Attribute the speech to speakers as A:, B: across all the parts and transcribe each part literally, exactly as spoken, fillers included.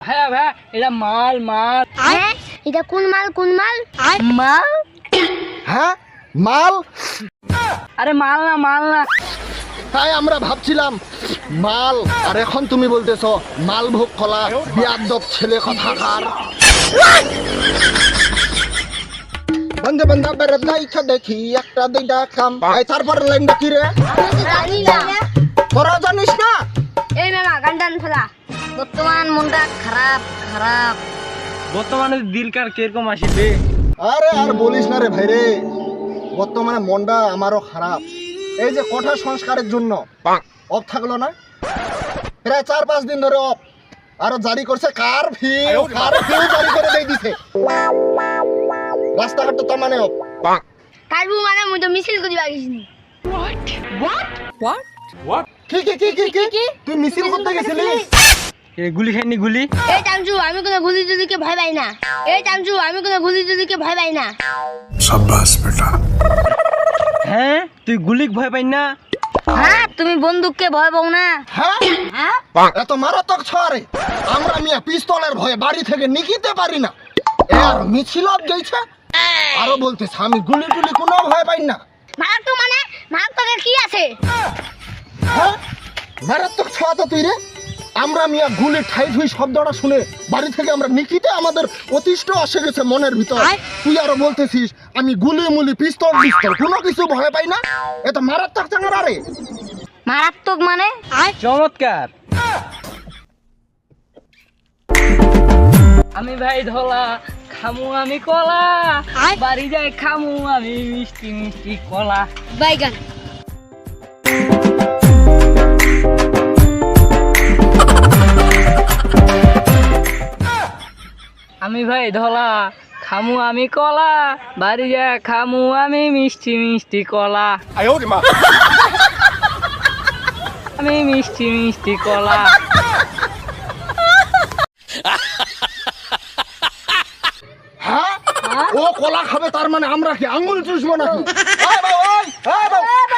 A: ভাইয়া ভাইয়া এটা মাল মাল।
B: হ্যাঁ এটা কোন মাল কোন মাল? মাল?
C: হ্যাঁ মাল।
A: আরে মাল না মাল না।
C: তাই আমরা ভাবছিলাম মাল, আর এখন তুমি বলতেছ মালভোগ কলা, বিয়াদব ছেলে কথাকার। বন্ধু বন্ধু বেরোত না ইচ্ছা দেখি একটা দুইটা কাম। এই তারপর লাইনটা কি রে?
B: জানি না।
C: তোরা জানিস না?
B: এই মামা গান্ডান ফেলা। বর্তমান মনটা খারাপ খারাপ।
A: বর্তমানে দিলকার কিরকম আসিবে?
C: আরে আর বলিস না রে ভাই রে, বর্তমানে মনটা আমারও খারাপ। এই যে কঠোর সংস্কারের জন্য অফ থাকলো না, প্রায় চার পাঁচ দিন ধরে অফ, আরো জারি করছে কারফিউ, কারফিউ জারি করে দিয়ে দিছে। রাস্তাঘাট তো তার মানে অফ।
B: কারবু মানে মুই তো মিছিল করি বাগিসনি।
C: কি কি কি কি কি তুই মিছিল করতে গেছিলি?
A: এ গুলি খাইনি গুলি?
B: এই চামচু আমি কোনো গুলি টুলিকে ভয় পাই না। এই চামচু আমি কোনো গুলি টুলিকে ভয় পাই না।
D: शाबाश बेटा।
A: হ্যাঁ তুই গুলিক ভয় পাই না?
B: হ্যাঁ তুমি বন্দুককে ভয় পাও না?
C: হ্যাঁ
B: হ্যাঁ
C: এত মারাত্মক ছড়ে আমরা মিয়া পিস্তলের ভয়ে বাড়ি থেকে নিকিতে পারি না। আর মিছিল গেছে আরো বলতেছে আমি গুলি টুলি কোনো ভয় পাই না।
B: মারাত্মক মানে মারাত্মকের কি আছে?
C: হ্যাঁ মারাত্মক ছোঁয়া তো তুই রে। আমরা মিয়া গুলি ঠাই ঠুই শব্দটা শুনে বাড়ি থেকে আমরা নিকিতে আমাদের অতিষ্ঠ আসে গেছে মনের ভিতর। তুই আরো বলতেছিস আমি গুলি মুলি পিস্তল পিস্তল কোনো কিছু ভয় পাই না। এত মারাত্মক চাঙ্গারা রে।
B: মারাত্মক মানে?
A: চমৎকার। আমি ভাই ধলা খামু আমি কলা, বাড়ি যাই খামু আমি মিষ্টি মিষ্টি কলা।
B: বাইগান।
A: আমি ভাই ধলা খামু আমি কলা, বাড়ি যাই খামু আমি মিষ্টি মিষ্টি কলা। আমি মিষ্টি মিষ্টি কলা।
C: হ্যাঁ ও কলা খাবে তার মানে আমরা কি আঙ্গুল চুষবো নাকি? এই বাবা, এই, এই বাবা।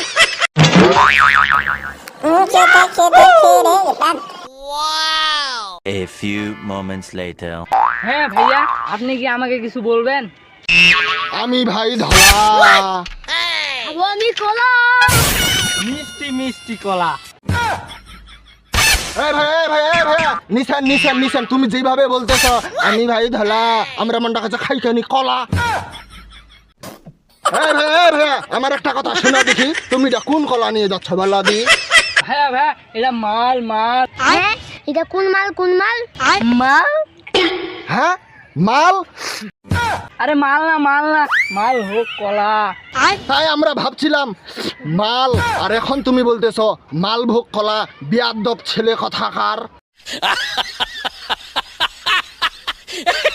E: A few moments later.
A: হ্যাঁ ভাইয়া আপনি কি আমাকে কিছু বলবেন?
C: আমি ভাই ধলা
B: খাবো আমি কলা।
A: মিষ্টি মিষ্টি কলা।
C: এই ভাই এই ভাই এই ভাইয়া নিশান নিশান নিশান তুমি যেভাবে বলতেছ আমি ভাই ধলা আমরা মনটা কাছে খাইখানি কলা। এই ভাই এই ভাইয়া আমার একটা কথা শোনা দেখি, তুমি এটা কোন কলা নিয়ে যাচ্ছ বলা দি?
A: ভাইয়া ভাইয়া এটা মাল মাল।
B: হ্যাঁ এটা কোন মাল কোন মাল? মাল?
C: হ্যাঁ মাল।
A: আরে মাল না মাল না মাল হোক কলা।
C: তাই আমরা ভাবছিলাম মাল, আর এখন তুমি বলতেছ মালভোগ কলা, বিয়াদব ছেলে কথাকার।